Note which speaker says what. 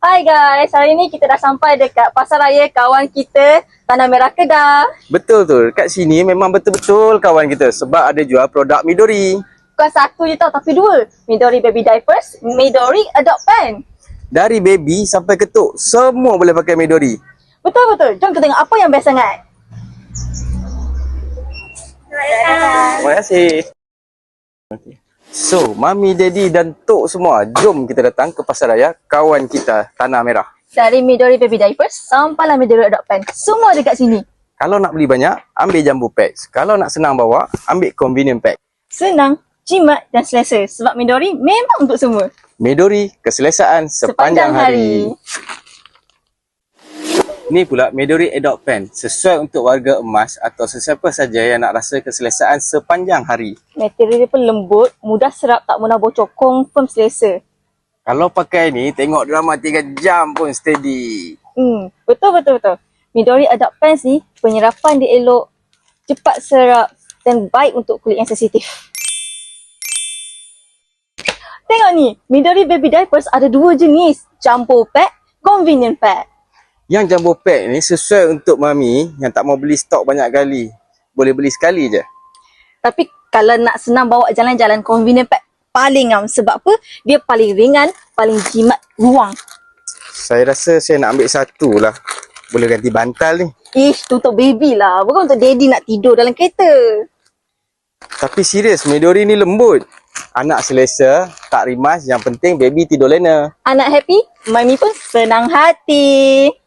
Speaker 1: Hai guys, hari ni kita dah sampai dekat Pasar Raya kawan kita, Tanah Merah Kedah.
Speaker 2: Betul tu, kat sini memang betul-betul kawan kita sebab ada jual produk Midori.
Speaker 1: Bukan satu je tau, tapi dua. Midori Baby Diapers, Midori Adopt Pen.
Speaker 2: Dari baby sampai ketuk, semua boleh pakai Midori.
Speaker 1: Betul-betul, jom kita tengok apa yang best sangat.
Speaker 2: Terima kasih. Okay. So, Mami, Daddy dan Tok semua, jom kita datang ke Pasar Raya kawan kita Tanah Merah.
Speaker 1: Dari Midori Baby Diapers sampailah Midori Adopt Pen, semua dekat sini.
Speaker 2: Kalau nak beli banyak, ambil jumbo packs. Kalau nak senang bawa, ambil convenient pack.
Speaker 1: Senang, jimat dan selesa sebab Midori memang untuk semua.
Speaker 2: Midori, keselesaan sepanjang hari. Ni pula Midori Adopt Pen, sesuai untuk warga emas atau sesiapa saja yang nak rasa keselesaan sepanjang hari.
Speaker 1: Material dia pun lembut, mudah serap, tak mudah bocor, confirm selesa.
Speaker 2: Kalau pakai ni, tengok drama 3 jam pun steady.
Speaker 1: Betul. Midori Adopt Pens ni, penyerapan dia elok, cepat serap dan baik untuk kulit yang sensitif. Tengok ni, Midori Baby Diapers ada 2 jenis, jumbo pack, convenient pack.
Speaker 2: Yang jumbo pack ni sesuai untuk mami yang tak mau beli stok banyak kali. Boleh beli sekali je.
Speaker 1: Tapi kalau nak senang bawa jalan-jalan, convenient pack paling ngam. Sebab apa? Dia paling ringan, paling jimat ruang.
Speaker 2: Saya rasa saya nak ambil satu lah. Boleh ganti bantal ni.
Speaker 1: Ish, tu untuk baby lah. Bukan untuk daddy nak tidur dalam kereta.
Speaker 2: Tapi serius, Midori ni lembut. Anak selesa, tak rimas. Yang penting baby tidur lena.
Speaker 1: Anak happy, mami pun senang hati.